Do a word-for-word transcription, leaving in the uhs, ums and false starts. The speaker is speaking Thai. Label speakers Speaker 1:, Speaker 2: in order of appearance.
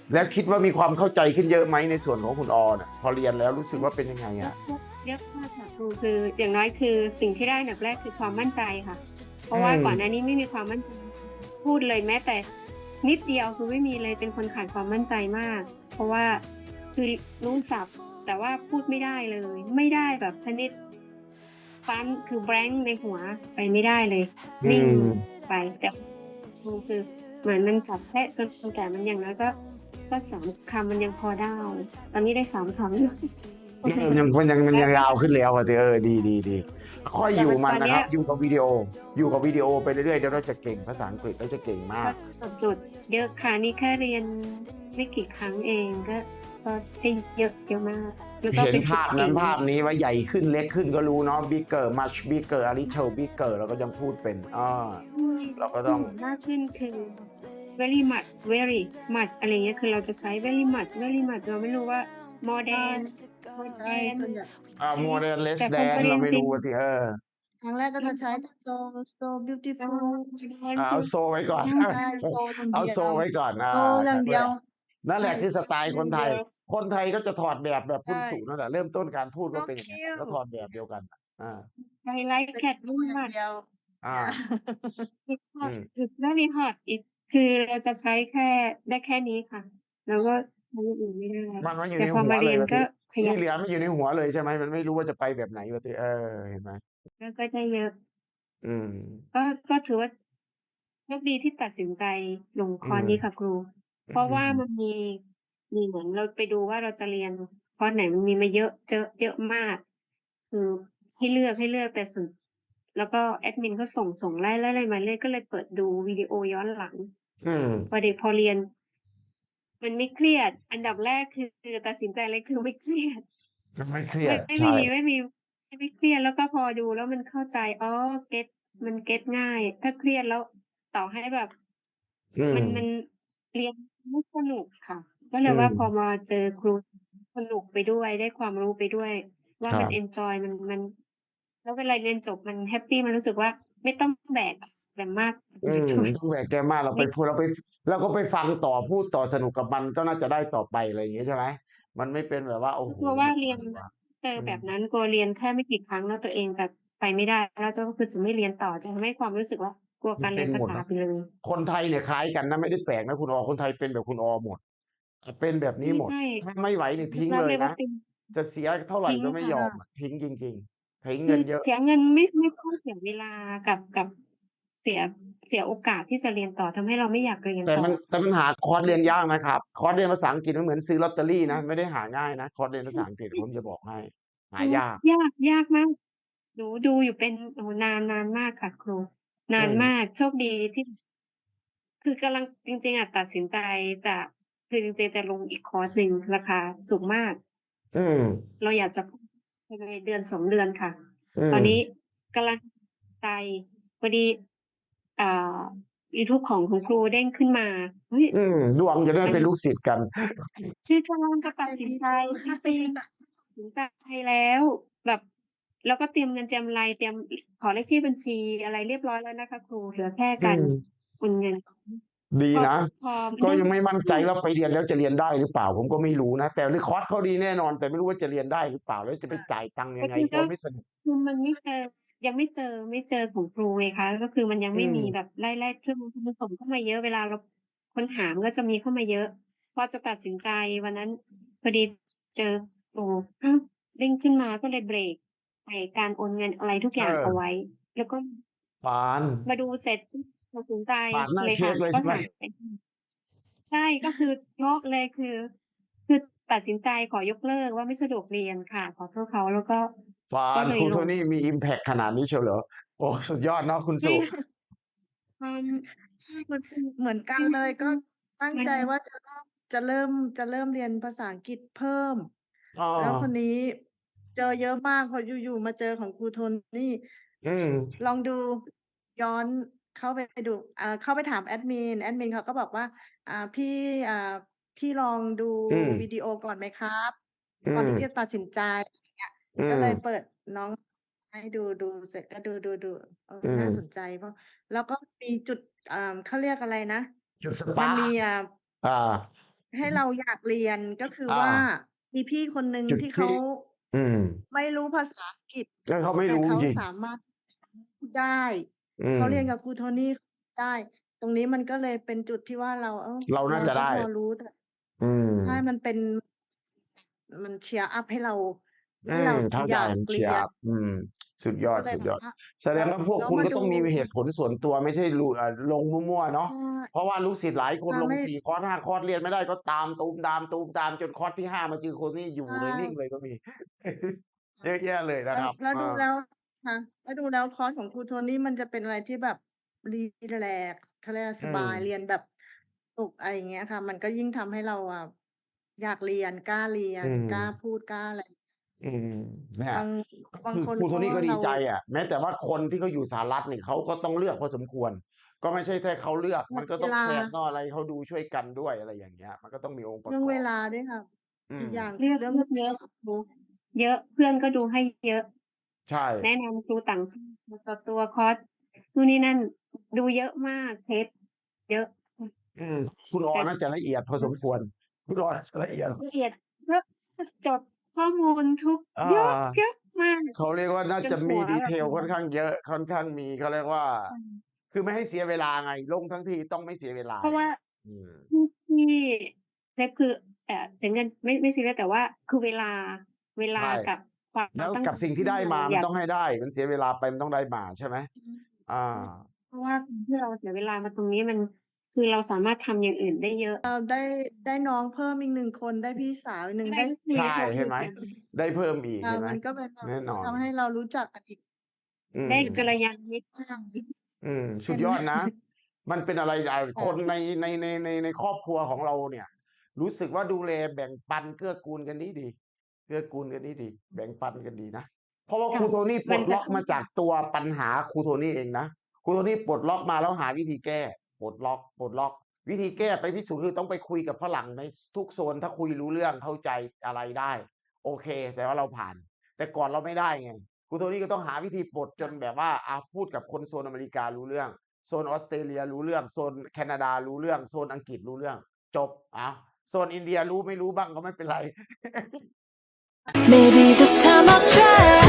Speaker 1: แล้วคิดว่ามีความเข้าใจขึ้นเยอะไหมในส่วนของคุณออน่ะพอเรียนแล้วรู้สึกว่าเป็นยังไง
Speaker 2: เยอะ
Speaker 1: อะ
Speaker 2: เยอะเยอะมากค่ะครูคืออย่างน้อยคือสิ่งที่ได้อันดับแรกคือความมั่นใจค่ะเพ
Speaker 1: อื
Speaker 2: ราะว่า
Speaker 1: ม
Speaker 2: ก่อนหน้านี้ไม่มีความมั่นใจพูดเลยแม้แต่นิดเดียวคือไม่มีเลยเป็นคนขาดความมั่นใจมากเพราะว่าคือรู้ศัพท์แต่ว่าพูดไม่ได้เลยไม่ได้แบบชนิด stunt คือ blank ในหัวไปไม่ได้เลย
Speaker 1: อื
Speaker 2: นิ่ง
Speaker 1: ม
Speaker 2: ไปแต่ครูคือเหมือนมันจับแพะจนแก่มันอย่างน้อยก็ก็สามคำมันยังพอได้ตอนนี้ได้สามคำอยู่
Speaker 1: เออยังมันยังมัน
Speaker 2: แล้วก็
Speaker 1: ยังยาวขึ้นแล้วอะสิเออดีๆๆค่อย
Speaker 2: แต่
Speaker 1: อยู่มัน
Speaker 2: มันตอนเนี้ย
Speaker 1: นะครับอยู่กับวิดีโออยู่กับวิดีโอไปเรื่อยๆเดี๋ยวเราจะเก่งภาษาอังกฤษเราจะเก่งมา
Speaker 2: ก็
Speaker 1: ก
Speaker 2: ตอบโจทย์เยอะค่ะนี่แค่เรียนไม่กี่ครั้งเองก็ก็ได้เยอะเยอะมากแล้วก็
Speaker 1: เห็น
Speaker 2: ไปฝึก
Speaker 1: ภาพนั้น
Speaker 2: เอง
Speaker 1: ภาพนี้ว่าใหญ่ขึ้นเล็กขึ้นก็รู้เนาะ bigger much bigger a little bigger เราก็ยังพูดเป็นอา
Speaker 2: ใช่ที่
Speaker 1: เราก็ต้อง
Speaker 2: เห็นมากขึ้นคือ very much very much อะไรอย่างเงี้ยคือเราจะใช้ very much very much เราไม่รู้ว่า more
Speaker 3: ใช่
Speaker 2: than more
Speaker 3: ใช่
Speaker 2: than
Speaker 3: ส่วนใหญ่
Speaker 1: อ่า
Speaker 2: อะไร
Speaker 1: more than less
Speaker 2: แต่พอมา
Speaker 1: than
Speaker 2: เรียนจริง
Speaker 1: เราไม่รู้อะสิเออ
Speaker 3: ครั้งแรกก็จะใช้แต่ so so
Speaker 2: เออ
Speaker 3: beautiful
Speaker 2: แ o
Speaker 1: อาเอาโซไว้ก่อน
Speaker 3: ใช่ so อย่าง
Speaker 1: เอาโซ
Speaker 3: เดียว
Speaker 1: ไว้ก่อนอา
Speaker 3: so อ
Speaker 1: ครั้งแรก
Speaker 3: ย่างเดียว
Speaker 1: นั่นแห
Speaker 3: ใช่
Speaker 1: ละคือส
Speaker 3: so
Speaker 1: ไตล์คนไทย
Speaker 3: อย่างเดียว
Speaker 1: คนไทยก็จะถอดแบบแบบคุณ
Speaker 3: ใช่
Speaker 1: สุนั่นแหละเริ่มต้นการพูดก็
Speaker 3: so
Speaker 1: เป็นอย่างงั้นแหละก็ถ
Speaker 3: cute
Speaker 1: อดแบบเดียวกันอา
Speaker 2: I like
Speaker 3: เป็น
Speaker 2: cat
Speaker 3: so
Speaker 2: very
Speaker 3: อย่าง
Speaker 2: much
Speaker 3: เดียว
Speaker 1: อา
Speaker 3: yeah
Speaker 2: it's
Speaker 1: อื
Speaker 2: hot
Speaker 1: ม
Speaker 2: it's very hot it คือเราจะใช้แค่ได้แค่นี้ค่ะแล้วก็ใช้อย่างอื่นไม่ได้
Speaker 1: มันมาอยู่
Speaker 2: แต่พอ
Speaker 1: ในหัว
Speaker 2: มาเรียนก็
Speaker 1: เลยว่าสิ
Speaker 2: ขยับ
Speaker 1: ที่เหลือมันอยู่ในหัวเลยใช่ไหมมันไม่รู้ว่าจะไปแบบไหนว่าสิเออเห็นไหม
Speaker 2: ก็ก็ได้เยอะ
Speaker 1: อืม
Speaker 2: ก็ก็ถือว่าโชคดีที่ตัดสินใจลง
Speaker 1: อื
Speaker 2: คอร์สนี้ค่ะ
Speaker 1: ม
Speaker 2: ครู
Speaker 1: อื
Speaker 2: เพราะว่ามัน
Speaker 1: ม
Speaker 2: มีมีเหมือนเราไปดูว่าเราจะเรียนคอร์สไหนมันมีมาเยอะเจอะเยอะมากคือให้เลือกให้เลือกแต่ส่วนแล้วก็แอดมินเขาส่งส่งไล่ไล่ไล่มาเรื่อยก็เลยเปิดดูวิดีโอย้อนหลัง
Speaker 1: อืม
Speaker 2: พอเด็กพอเรียน มันไม่เครียดอันดับแรกคือตัดสินใจเลยคือไม่เครียด
Speaker 1: มันไม่เครีย
Speaker 2: ไม่
Speaker 1: ดใช่
Speaker 2: ไม่มีไม่มีไม่เครียดแล้วก็พอดูแล้วมันเข้าใจอ๋อเก็ตมันเก็ตง่ายถ้าเครียดแล้วต่อให้แบบ
Speaker 1: อืม
Speaker 2: มันมันเรียนไม่สนุกค่ะก็เล
Speaker 1: อื
Speaker 2: ยว่าพอ
Speaker 1: ม
Speaker 2: มาเจอครูสนุกไปด้วยได้ความรู้ไปด้วยว่ามันเอน
Speaker 1: ครับ
Speaker 2: จอยมันมันแล้วเวลาเรียนจบมันแฮปปีมันรู้สึกว่าไม่ต้องแบกอะไรมาก
Speaker 1: อืมต้องแบกแกมากเราไป
Speaker 2: ไม่
Speaker 1: พูดเราไปเราก็ไปฟังต่อพูดต่อสนุกกับมันก็น่าจะได้ต่อไปอะไรอย่างงี้ใช่ไหมมันไม่เป็นแบบว่าโอ้โฮ
Speaker 2: กลัวว่า
Speaker 1: แบบ
Speaker 2: เรียน
Speaker 1: อะไรวะ
Speaker 2: เจอ
Speaker 1: อืม
Speaker 2: แบบนั้นกลัวเรียนแค่ไม่กี่ครั้งแล้วตัวเองจะไปไม่ได้แล้วจะก็คือจะไม่เรียนต่อจะทำให้ความรู้สึกว่ากลัว
Speaker 1: มัน
Speaker 2: การเรียนภา
Speaker 1: เป็นหมดเนาะ
Speaker 2: ษาไปเลย
Speaker 1: คนไทยเนี่ยคล้ายกันนะไม่ได้แปลกนะคุณออคนไทยเป็นแบบคุณออหมดอาเป็นแบบนี้หมด
Speaker 2: ใช่
Speaker 1: ถ้าไม่ไหวนี่
Speaker 2: ๆยอมรับ
Speaker 1: ทิ้งเลยนะ
Speaker 2: เลยว่าเป็น
Speaker 1: จะเสียเท่าไร
Speaker 2: ทิ้ง
Speaker 1: ก็ไม่
Speaker 2: ค่ะ
Speaker 1: ยอม
Speaker 3: ค่ะ
Speaker 1: อะทิ้งจริงๆทิ้ง
Speaker 2: คือ
Speaker 1: เงินเยอะ
Speaker 2: เสียเงินไม่ไม่ค่อยเสียเวลากับกับเสียเสียโอกาสที่จะเรียนต่อทำให้เราไม่อยากเรียนต่อ
Speaker 1: แต่มันแต่มันหาคอร์สเรียน
Speaker 2: อื
Speaker 1: ยากนะครับคอร์สเรียนภาษาอังกฤษมันเหมือนซื้อลอตเตอรี่นะไม่
Speaker 2: ม
Speaker 1: ได้หาง่ายนะคอร์สเรียนภาษาอังกฤษผมจะบอกให้หายาก
Speaker 2: ยากยากมากหนูดูอยู่เป็นโอ้โฮนานนานมากค่ะครู
Speaker 1: อื
Speaker 2: นานมาก
Speaker 1: ม
Speaker 2: โชคดีที่ คือกำลังจริงๆอะตัดสินใจจะคือจริงๆจะลงอีกคอร์สหนึ่งราคาสูงมาก
Speaker 1: อืม
Speaker 2: เราอยากจะภายในเดือนสองเดือนค่ะ
Speaker 1: อืม
Speaker 2: ตอนนี้กำลังใจพอดีอ่ายูทูบของคุณครูเด้งขึ้นมาเฮ้ย
Speaker 1: อืมดวงจะได้
Speaker 2: มัน
Speaker 1: เป็นลูกศิษย์กัน
Speaker 2: คือกำลังจะตัด
Speaker 3: Hi
Speaker 2: สินใจจ
Speaker 3: people
Speaker 2: ริงๆตัดสินใจแล้วแบบแล้วก็เตรียมเงินเตรียมอะไรเตรียมขอเลขที่บัญชีอะไรเรียบร้อยแล้วนะคะครูเหลือแค่
Speaker 1: อื
Speaker 2: การ
Speaker 1: ม
Speaker 2: โอนเงินพอ
Speaker 1: ดีนะ
Speaker 2: พอมันได้
Speaker 1: ก็ยังไม่มั่นใจ
Speaker 2: ใช่
Speaker 1: ว่าไปเรียนแล้วจะเรียนได้หรือเปล่าผมก็ไม่รู้นะแต่ในคอร์สเขาดีแน่นอนแต่ไม่รู้ว่าจะเรียนได้หรือเปล่าแล้วจะไป
Speaker 3: ค่ะ
Speaker 1: จ่ายตังค์ยังไง
Speaker 2: ก็คือก็
Speaker 1: กลัวไม่สนุก
Speaker 2: คือมันไม่เจอยังไม่เจอไม่เจอของครูไงคะก็คือมันยัง
Speaker 1: อืม
Speaker 2: ไม่มีแบบไล่ๆเครื่องมือผสมเข้ามาเยอะเวลาเราค้นหามันก็จะมีเข้ามาเยอะพอจะตัดสินใจวันนั้นพอดีเจอโอ้อ้าวเด้งขึ้นมาก็เลยเบรกเบรกการโอนเงินอะไรทุก
Speaker 1: เออ
Speaker 2: อย่างเอาไว้แล้วก็
Speaker 1: ปาน
Speaker 2: มาดูเสร็จปุ๊บตัดสินใจ
Speaker 1: ปานหน้า
Speaker 2: เลยค่ะ
Speaker 1: เค้กเลยใช่ไหม
Speaker 2: ก็ถามไปใช่ก็คือโป๊ะเลยคือคือตัดสินใจขอยกเลิกว่าไม่สะดวกเรียนค่ะขอโทษเขาแล้วก็
Speaker 1: ปานครูโท
Speaker 2: ก็เลยลง
Speaker 1: นี่มีอิมแพกขนาดนี้เชียวเหรอโอ้สุดยอดเนาะคุณสุ
Speaker 2: ไม่ค่ะความ
Speaker 3: ใช่มันเหมือนกัน
Speaker 2: อื
Speaker 3: เลยก็
Speaker 2: ม
Speaker 3: ตั้ง
Speaker 2: มัน
Speaker 3: ใจว่าจะเริ่มจะเริ่มจะเริ่มเรียนภาษาอังกฤษเพิ่ม
Speaker 1: อ้อ
Speaker 3: แล้วคนนี้เจอเยอะมากพออยู่ๆมาเจอของครูโทนี่
Speaker 1: อืม
Speaker 3: ลองดูย้อนเข้าไปดูอ่าเข้าไปถามแอดมินแอดมินเขาก็บอกว่าอ่าพี่อ่าพี่ลองดู
Speaker 1: อืม
Speaker 3: วิดีโอก่อนไหมครับ
Speaker 1: อืม
Speaker 3: ก่อนที่จะตัดสินใจอย่างเงี้ย
Speaker 1: อื
Speaker 3: ก็เลยเปิ
Speaker 1: ม
Speaker 3: ดน้องให้ดูดูเสร็จก็ดูๆๆเออ
Speaker 1: อืม
Speaker 3: น่าสนใจเพราะ แล้วก็มีจุดอ่าเขาเรียกอะไรนะ
Speaker 1: จุดส
Speaker 3: มัน
Speaker 1: ปาร์ก
Speaker 3: มีอ่า
Speaker 1: อ่า
Speaker 3: ให้เราอยากเรียน ก็คือ
Speaker 1: อา
Speaker 3: ว่ามีพี่คนหนึ่ง
Speaker 1: จุดท
Speaker 3: ที่เขา
Speaker 1: ี่ อืม
Speaker 3: ไม่รู้ภาษาอังกฤษ
Speaker 1: ก็เขาไม่
Speaker 3: แต่เขา
Speaker 1: รู้จริง
Speaker 3: สามารถพูดได้
Speaker 1: อื
Speaker 3: เขาเรียนกั
Speaker 1: ม
Speaker 3: บครูโทนี่ได้ ตรงนี้มันก็เลยเป็นจุดที่ว่าเรา เออ
Speaker 1: เรา
Speaker 3: เ
Speaker 1: น
Speaker 3: ร่
Speaker 1: า
Speaker 3: า
Speaker 1: จะได้
Speaker 3: ก็พอรู้ แต่
Speaker 1: อืม
Speaker 3: ใช่ มันเป็น มัน cheer up ให้เรา
Speaker 1: อ
Speaker 3: ใ
Speaker 1: ื
Speaker 3: ห้เรา
Speaker 1: ม เข้า
Speaker 3: อ
Speaker 1: ใจ
Speaker 3: ยาก
Speaker 1: มัน
Speaker 3: เรียน
Speaker 1: cheer up อืม สุดย
Speaker 3: ก็เลยแบ
Speaker 1: อด
Speaker 3: บว่า
Speaker 1: ๆ แส
Speaker 3: แ
Speaker 1: ด
Speaker 3: ล้ว
Speaker 1: งว่าพว
Speaker 3: แ
Speaker 1: กคุณก็
Speaker 3: ล้วมาดู
Speaker 1: ต้องมีเหตุผลส่วนตัว ไม่ใช่รู อ่า ลงมั่ว ๆ เนาะ
Speaker 3: ใช่
Speaker 1: เพราะว่าลูกศิษย์หลายค
Speaker 3: ค
Speaker 1: น่
Speaker 3: ะ
Speaker 1: ล
Speaker 3: ไ
Speaker 1: ง
Speaker 3: ม่
Speaker 1: สี่ คอร์ส ห้า คอร์ส เรียนไม่ได้ก็ตามตูมตาม ๆ จนคอร์สที่ ห้า มาเจอครูนี่อ
Speaker 3: ใ
Speaker 1: ย
Speaker 3: ชู
Speaker 1: ่เลย นิ่ง่เลยก็มี
Speaker 3: ค่
Speaker 1: เ
Speaker 3: ะ
Speaker 1: ยอะแยะเลย
Speaker 3: แ
Speaker 1: น
Speaker 3: ล
Speaker 1: ะ
Speaker 3: ้ว
Speaker 1: ครับ
Speaker 3: แล้ว
Speaker 1: เออ
Speaker 3: ดูแล้ว ค่ะ แล้วดูแล้วคอร์สของครูโทนี่มันจะเป็นอะไรที่แบบ รีแลกซ์ เขาเรียกอะไร
Speaker 1: อื
Speaker 3: สบาย เรี
Speaker 1: ม
Speaker 3: ยนแบบสนุก อะไรอย่างเงี้ยค่ะ มันก็ยิ่งทำให้เราอะอยากเรียน กล้าเรีย
Speaker 1: อื
Speaker 3: น กล้า
Speaker 1: ม
Speaker 3: พูด กล้าอะไร
Speaker 1: อืม เนี่
Speaker 3: บ
Speaker 1: ย
Speaker 3: าง
Speaker 1: ก็
Speaker 3: บา
Speaker 1: ค
Speaker 3: ง
Speaker 1: ือ
Speaker 3: คนก
Speaker 1: ครูโท็นี่ก็
Speaker 3: เ
Speaker 1: ด
Speaker 3: รีา
Speaker 1: ใจอะ แม้แต่ว่าคนที่เขาอยู่สหรัฐนี่ เขาก็ต้องเลือกพอสมควร ก็ไม่ใช่แค่เขาเลือก
Speaker 3: เว
Speaker 1: มันก็
Speaker 3: เวล
Speaker 1: ต้องแฟน
Speaker 3: า
Speaker 1: ต้องอะไร เขาดูช่วยกันด้วย อะไรอย่างเงี้ย มันก็ต้องมีองค์ป
Speaker 3: เ
Speaker 1: ร
Speaker 3: รื
Speaker 1: ะ
Speaker 3: ่อง
Speaker 1: กอบ
Speaker 3: เวลาด้วยค่ะ
Speaker 1: อืม
Speaker 3: อีกอย่าง
Speaker 2: เลือก
Speaker 3: เรื่อ
Speaker 2: เ
Speaker 3: ง
Speaker 2: ลือกเยอะ ครู เยอะ เพื่อนก็ดูให้เยอะ
Speaker 1: ใช่
Speaker 2: แนะนำครูต่าง ชาติ ตัวต่อตัว คอร์สนู่นนี่นั่น ดูเยอะมาก เทสเยอะ อืม
Speaker 1: อืม คุณอ
Speaker 2: แ
Speaker 1: อ
Speaker 2: ต่
Speaker 1: น่าจะละเอียดพอ
Speaker 2: อืม
Speaker 1: สมควร คุณออน่าจะละเอียด
Speaker 2: ละเอียด เยอะ คือจดข้อมูลทุก
Speaker 1: อา
Speaker 2: เยอะ เยอะมาก
Speaker 1: เขาเรียกว่าน่า
Speaker 2: จนห
Speaker 1: จะมัี
Speaker 2: วแบบ
Speaker 1: detail
Speaker 2: อืม
Speaker 1: ค่อนข้างเยอะ ค่อนข้างมี เขาเรียกว่า
Speaker 2: อืม
Speaker 1: คือไม่ให้เสียเวลาไง ลงทั้งทีต้องไม่เสียเวลา
Speaker 2: เพราะว่า
Speaker 1: อืม
Speaker 2: ที่ ที่เซฟคือ เอ่อ เสียเงิน ไม่ ไม่ซีเรียส แต่ว่าคือเวลา เวล
Speaker 1: ใช
Speaker 2: า
Speaker 1: ่
Speaker 2: กับควา
Speaker 1: แล้ว
Speaker 2: มตั้ง
Speaker 1: กั
Speaker 2: ใ
Speaker 1: บ
Speaker 2: จ
Speaker 1: สิ่งท
Speaker 2: ทีี่
Speaker 1: ่ได้
Speaker 2: เราอย
Speaker 1: มามัน
Speaker 2: าก
Speaker 1: ต้องให้ได้ มันเสียเวลาไปมันต้องได้มา ใช่ไหม?
Speaker 3: อืม
Speaker 1: อา
Speaker 3: อืม
Speaker 2: เพราะว่าการที่เราเสียเวลามาตรงนี้มัน คือเราสามารถทำอย่างอื่นได้เยอะ
Speaker 3: เราได้ ได้น้องเพิ่มอีก หนึ่ง คน ได้พี่สาวอีก หนึ่ง
Speaker 2: ได้
Speaker 3: ได้
Speaker 2: ก็คื
Speaker 1: ใ
Speaker 2: อ
Speaker 1: ช่
Speaker 3: ได้
Speaker 1: เห็นไหม ได้เพิ่มอีก
Speaker 3: ค่ะ
Speaker 1: เห็นไหม
Speaker 3: มันก็เป็นแบบ
Speaker 1: แน่นอ
Speaker 3: ท
Speaker 1: น
Speaker 3: ำให้เรารู้จักกันอีก
Speaker 1: อื
Speaker 2: ได้กัล
Speaker 1: ม
Speaker 2: ยาณมิตร มาก
Speaker 1: อืม
Speaker 3: เ
Speaker 1: ส
Speaker 3: ปุ็น
Speaker 1: ดยอดนะ มันเป็นอะไร อ่า
Speaker 3: ค่
Speaker 1: ค
Speaker 3: ะ
Speaker 1: นใน ใน ใน ใน ในครอบครัวของเราเนี่ย รู้สึกว่าดูแลแบ่งปัน เกื้อกูลกันดี ๆ เกื้อกูลกันดี ๆ แบ่งปันกันดีนะ เพราะว่า
Speaker 2: ค่
Speaker 1: ค
Speaker 2: ะ
Speaker 1: รูโทนี่ป
Speaker 2: ม
Speaker 1: ลั
Speaker 2: นจะข
Speaker 1: ดล็อก
Speaker 2: ึ้น
Speaker 1: มา
Speaker 2: อ
Speaker 1: จ
Speaker 2: ย
Speaker 1: า
Speaker 2: ู
Speaker 1: ก่ตัวปัญหาครูโทนี่เองนะ ครูโทนี่ปลดล็อกมาแล้วหาวิธีแก้ ปลดล็อก ปลดล็อก วิธีแก้ไปพิสูจน์คือต้องไปคุยกับฝรั่งใน ส ทุกโซน ถ้าคุยรู้เรื่อง เข้าใจอะไรได้ โอเค แสดงว่าเราผ่าน แต่ก่อนเราไม่ได้ไง ครูโทนี่ก็ต้องหาวิธีปลดจ
Speaker 3: ค่
Speaker 1: น
Speaker 3: ะ
Speaker 1: แบบว่า อา พูดกับคนโซนอเมริการู้เรื่อง โซนออสเตรเลียรู้เรื่อง โซนแคนาดารู้เรื่อง โซนอังกฤษรู้เรื่อง จบ อ้าว โซนอินเดียรู้ไม่รู้บ้างก็ไม่เป็นไร
Speaker 4: Maybe this time I'll try